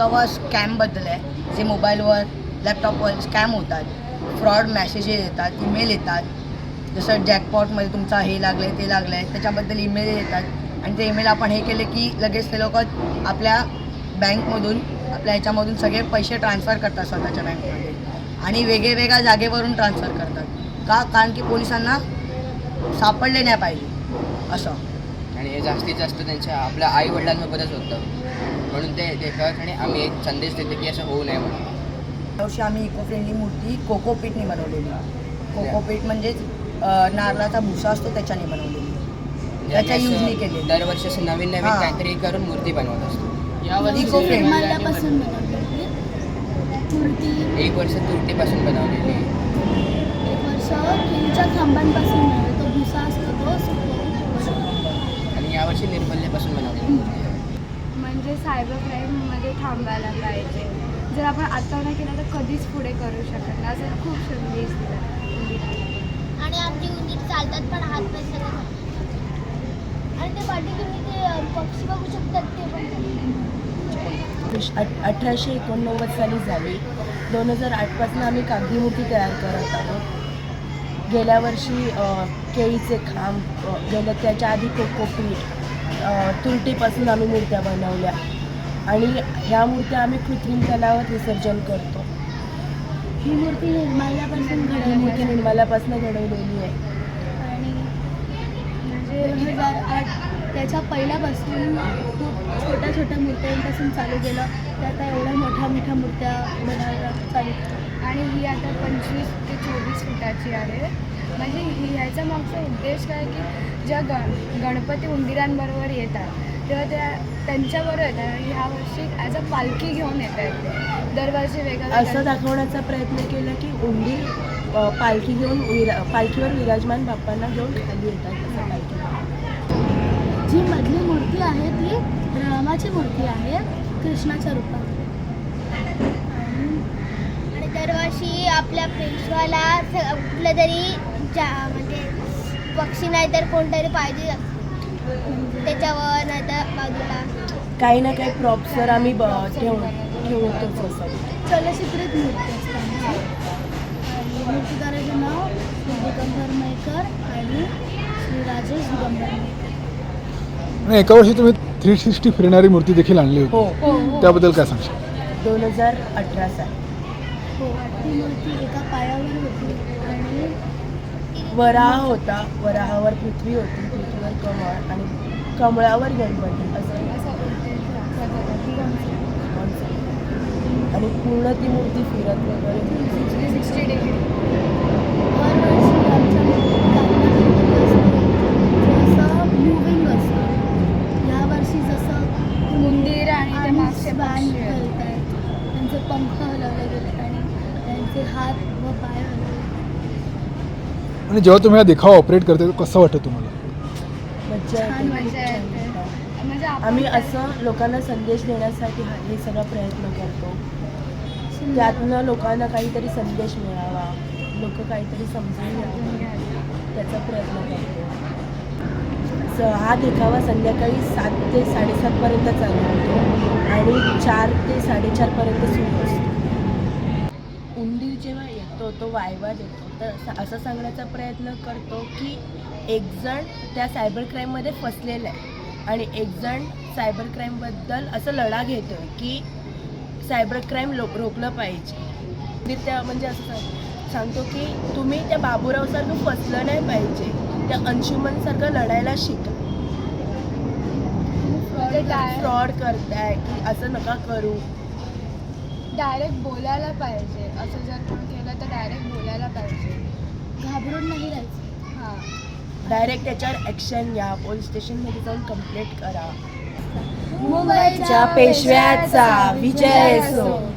विसावा स्कॅमबद्दल आहे, जे मोबाईलवर लॅपटॉपवर स्कॅम होतात, फ्रॉड मॅसेजेस येतात, ईमेल येतात. जसं जॅकपॉटमध्ये तुमचा हे लागलं आहे ते लागलं आहे त्याच्याबद्दल ईमेल येतात आणि ते ईमेल आपण हे केले की लगेच ते लोक आपल्या बँकमधून आपल्या ह्याच्यामधून सगळे पैसे ट्रान्सफर करतात स्वतःच्या बँकमध्ये आणि वेगळ्या ट्रान्सफर करतात. का? कारण की पोलिसांना सापडले नाही पाहिजे असं. आणि हे जास्तीत जास्त त्यांच्या आपल्या आई वडिलांसोबतच होतं, म्हणून ते कळत आणि आम्ही एक संदेश देतो की असं होऊ नये म्हणून. यावर्षी आम्ही इको फ्रेंडली मूर्ती कोकोपीटने बनवलेली. कोकोपीट म्हणजेच नारळाचा भुसा असतो त्याच्याने बनवलेली, त्याच्या युजने केलेली. दरवर्षी असं नवीन काहीतरी करून मूर्ती बनवत असतो. इको फ्रेंडली एक वर्ष तुरटीपासून बनवलेली, एक वर्ष केळीच्या खांबांपासून तो भुसा असतो तो आणि यावर्षी निर्मल्यापासून बनवलेली मूर्ती आहे. म्हणजे सायबर क्राईममध्ये थांबायला पाहिजे. जर आपण आता नाही केलं तर कधीच पुढे करू शकत नाही. असं खूप संदेश दिला. आणि आमची उंदीर चालतात पण हात पाय सगळं आणि ते पाठी तुम्ही ते पक्षी बघू शकतात ते पण 1889 साली झाली. 2008 पासून आम्ही कागदी मूर्ती तयार करत आहोत. गेल्या वर्षी केळीचे खांब, त्याच्या आधी कोकोपीट, तुरटीपासून आम्ही मूर्त्या बनवल्या आणि ह्या मूर्त्या आम्ही कृत्रिम तलावात विसर्जन करतो. ही मूर्ती निर्माल्यापासून घडवलेली आहे. आणि म्हणजे 2008 त्याच्या पहिल्यापासून खूप छोट्या मूर्त्यांपासून चालू केलं. त्या आता एवढ्या मोठ्या मूर्त्या बनवायला चालू केल्या. आणि ही आता 25 ते 24 फुटाची आहे. म्हणजे ह्याचा मागचा उद्देश काय की ज्या गणपती उंदीरांबरोबर येतात तेव्हा त्यांच्याबरोबर येतात आणि ह्या वर्षी ॲज अ पालखी घेऊन येत आहेत. दरवर्षी वेगळं असं दाखवण्याचा प्रयत्न केला की उंदीर पालखी घेऊन पालखीवर विराजमान बाप्पांना घेऊन खाली येतात. असं पालखी जी मधली मूर्ती आहे ती रामाची मूर्ती आहे कृष्णाच्या रूपात. आणि दरवर्षी आपल्या पेशवाला कुठलं तरी म्हणजे पक्षी नाही तर कोणतरी पाहिजे त्याच्यावर नाही तर बाजूला काही ना काही प्रॉप्सवर आम्ही ठेवतोच असं. चलचित्रित मूर्ती असते आमची. आणि मूर्तिकाराचे नाव श्री दिगंबर मयेकर आणि श्री राजेश दिगंबर मयेकर. आणि एका वर्षी तुम्ही 360 फिरणारी मूर्ती देखील आणली होती, हो. त्याबद्दल काय सांगशील? 2018 साली हो, ती मूर्ती एका पायावर होती आणि वराह होता, वराहावर पृथ्वी होती, पृथ्वीवर कमळ आणि कमळावर गणपती असं आणि पूर्ण ती मूर्ती फिरत वगैरे 360 डिग्री. दरवर्षी आमच्या जसं मूविंग असतं. यावर्षी जसं उंदीर आणि ते मागचे बाण पक्षी आहेत. हलत आहेत, त्यांचे पंख हलवले गेले आणि त्यांचे हात व पाय हलवले. आणि जेव्हा तुम्ही हा देखावा ऑपरेट करते कसं वाटतं तुम्हाला? मज्जा छान येते. मजा येते. म्हणजे आम्ही असं लोकांना संदेश देण्यासाठी हे सगळा प्रयत्न करतो. त्यातनं लोकांना काहीतरी संदेश मिळावा, लोक काहीतरी समजून घ्यावं त्याचा प्रयत्न करतो. हा देखावा संध्याकाळी 7 ते 7:30 पर्यंत चालू होतो आणि 4 ते 4:30 पर्यंत सुरू असतो. उंदीर जेव्हा येतो तो वायवा देतो तर असं सांगण्याचा प्रयत्न करतो की एक जण त्या सायबर क्राईममध्ये फसलेला आहे आणि एक जण सायबर क्राईमबद्दल असं लढा घेतो आहे की सायबर क्राईम रोखलं पाहिजे. त्या म्हणजे असं सांगतो की तुम्ही त्या बाबूरावसारखं फसलं नाही पाहिजे, त्या अंशुमनसारखं लढायला शिका. फ्रॉड करताय की असं नका करू. डायरेक्ट बोलायला पाहिजे. असं जर कोण केलं तर डायरेक्ट बोलायला पाहिजे, घाबरून नाही राहायचं. हां. डायरेक्ट त्याच्यावर ॲक्शन घ्या, पोलीस स्टेशनमध्ये जाऊन कंप्लेंट करा. मुंबईच्या पेशव्याचा विजय असो.